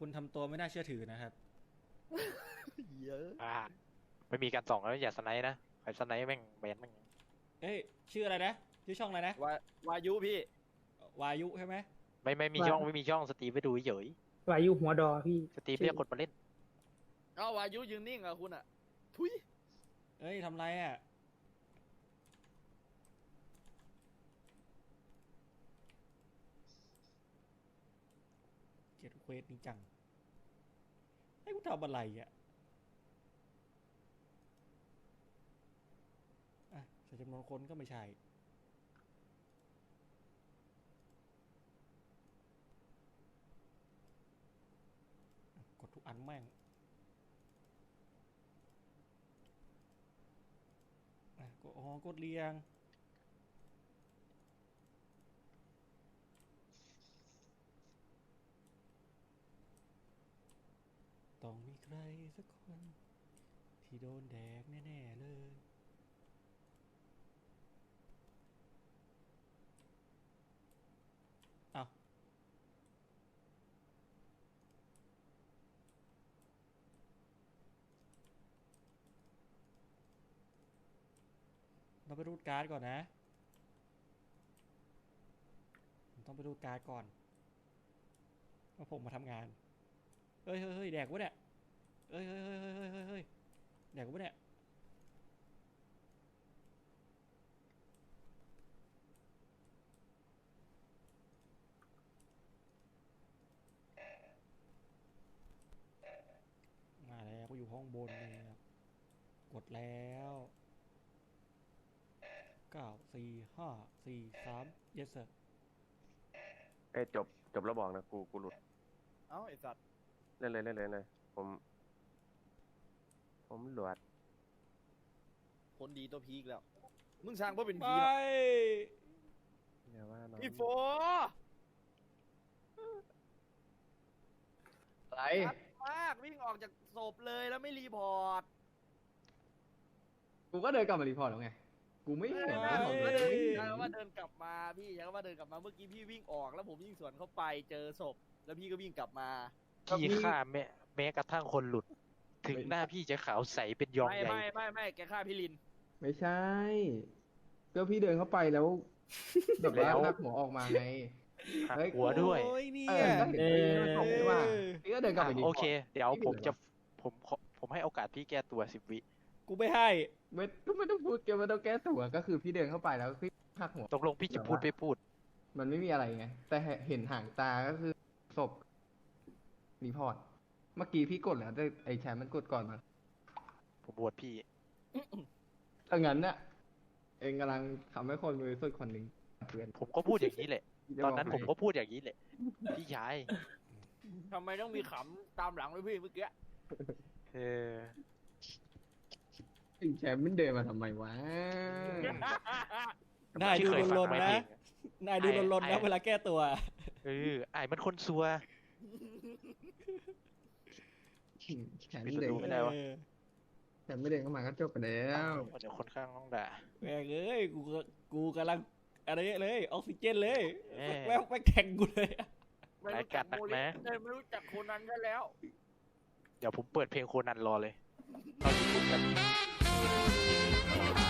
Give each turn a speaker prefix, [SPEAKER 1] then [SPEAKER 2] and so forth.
[SPEAKER 1] คุณทำตัวไม่น่าเชื่อถือนะครับ
[SPEAKER 2] เยอะ
[SPEAKER 3] ไม่มีการส่องแล้วอย่าสไนป์นะใครสไนป์แม่งแบนแม่ง
[SPEAKER 1] เอ้ยชื่ออะไรนะชื่อช่องอะไรนะ
[SPEAKER 2] วายุพี่
[SPEAKER 1] วายุใช่ไหม
[SPEAKER 3] ไม่มีช่องไม่มีช่องสตรีมไปดูเฉยว
[SPEAKER 4] ายุหัวดอพี่
[SPEAKER 3] สตรีมเรียกคนมาเล่น
[SPEAKER 2] เอ้าวายุยืนนิ่งอะคุณอะทุย
[SPEAKER 1] เอ้ยทำไรอ่ะเกลียดเควสนี้จังให้กูทำอะไรอ่ะอ่ะใส่จำนวนคนก็ไม่ใช่กดทุกอันแม่งกดเรียงต้องมีใครสักคนที่โดนแดกแน่ๆเลยเอาเราไปรูดการ์ดก่อนนะผมต้องไปรูดการ์ดก่อนว่าผมมาทำงานเฮ้ยแดกวะเนี่ยเฮ้ยแดกวะเนี่ยมาแล้วก็อยู่ห้องบนเนี่ยกดแล้ว9 4 5 4 3 yes sir
[SPEAKER 5] เอ้ยจบแล้วบอกนะกูหลุด
[SPEAKER 2] เอ้าไอสัตว์
[SPEAKER 5] เล่นเลยผมหลวด
[SPEAKER 2] คนดีตัวพีกแล้ว มึงสร้างเพื่อเป็น
[SPEAKER 1] ไป
[SPEAKER 2] พีหรอ
[SPEAKER 5] อย่าว่าน้อง
[SPEAKER 2] พี่โฟ
[SPEAKER 6] อะไร
[SPEAKER 2] ชัดมากวิ่งออกจากศพเลยแล้วไม่รีพอร์ต
[SPEAKER 6] กูก็เดินกลับมารีพอร์ตแล้วไง กูไม่เห็น
[SPEAKER 2] ใช่
[SPEAKER 6] นะ
[SPEAKER 2] ผมก็เดินใช่ว่าเดินกลับมาพี่ใช่ว่าเดินกลับมาเมื่อกี้พี่วิ่งออกแล้วผมวิ่งสวนเข้าไปเจอศพแล้วพี่ก็วิ่งกลับมา
[SPEAKER 3] พี่ฆ่าแม้กระทั่งคนหลุด ถึงหน้าพี่จะขาวใสเป็นยอง
[SPEAKER 2] ไม่
[SPEAKER 3] ใหญ่
[SPEAKER 2] ไม่แกฆ่าพี่ลิน
[SPEAKER 6] ไม่ใช่ ก็พี่เดินเข้าไปแล้วแบบว่าลากหัวออกมาไง
[SPEAKER 3] หัก
[SPEAKER 6] เฮ้ย
[SPEAKER 3] หัวด้วย
[SPEAKER 1] โอ้ยเนี่
[SPEAKER 6] เอย อก็เห็นพี่มันส่งไม่ว่าพี่ก็เดินกลับไปรีพ
[SPEAKER 3] โอ
[SPEAKER 6] อร์ต
[SPEAKER 3] เค เดี๋ยวผมให้โอกาสพี่แก้ตัว10 วิ
[SPEAKER 1] กูไม่ให้
[SPEAKER 6] ไม่ต้องพูดเกี่ยวไม่ต้องแก้ตัวก็คือพี่เดินเข้าไปแล้วพี่หักหัว
[SPEAKER 3] ตกลงพี่จะพูดไม่พูด
[SPEAKER 6] มันไม่มีอะไรไง แต่เห็นห่างตาก็คือศพรีพอร์ต เมื่อกี้พี่กดแล้วแต่ไอ้แชมป์มันกดก่อนมา
[SPEAKER 3] ผมบวชพี่
[SPEAKER 6] ถ้างั้นน่ะ เองกำลังทำให้คนบริสุทธิ์คนหนึ่งเตือน
[SPEAKER 3] ผมก็พูดอย่างนี้แหละ
[SPEAKER 6] พี่จะ
[SPEAKER 3] ตอนนั้น
[SPEAKER 6] บ
[SPEAKER 3] ผ
[SPEAKER 6] ให้
[SPEAKER 3] มก็พูดอย่างนี้แหละ พี่ชาย
[SPEAKER 2] ทำไมต้องมีขำตามหลังด้วยพี่เมื่อกี้
[SPEAKER 3] เออ
[SPEAKER 6] ไอ้แชมป์มันเดินมาทำไมวะ
[SPEAKER 1] นายดู
[SPEAKER 3] พี่เคยฟัง
[SPEAKER 1] ลน
[SPEAKER 3] ไหม
[SPEAKER 1] ๆนะ
[SPEAKER 3] เพลง
[SPEAKER 1] นายดูลนๆนะเวลาแก้ตัว
[SPEAKER 3] เออไอ้มันคนซัว
[SPEAKER 6] แชมป์ไม่เดิน
[SPEAKER 3] ดูไม่ได้วะ
[SPEAKER 6] แชมป์ไม่เดินเข้ามาก็จบไปแล้ว
[SPEAKER 3] เดี๋ยวคนข้างต้องด่า
[SPEAKER 1] แม่งเอ้ยกูกำลังอะไรเลยออกซิเจนเลย
[SPEAKER 3] เอ้ย
[SPEAKER 1] แม่งไปแข่งกูเลย
[SPEAKER 2] ไม่รู้จักโมลิสเลยไม่รู้จักโคนันได้แล้ว
[SPEAKER 3] เดี๋ยวผมเปิดเพลงโคนันรอเลยเข้ายูทูบกัน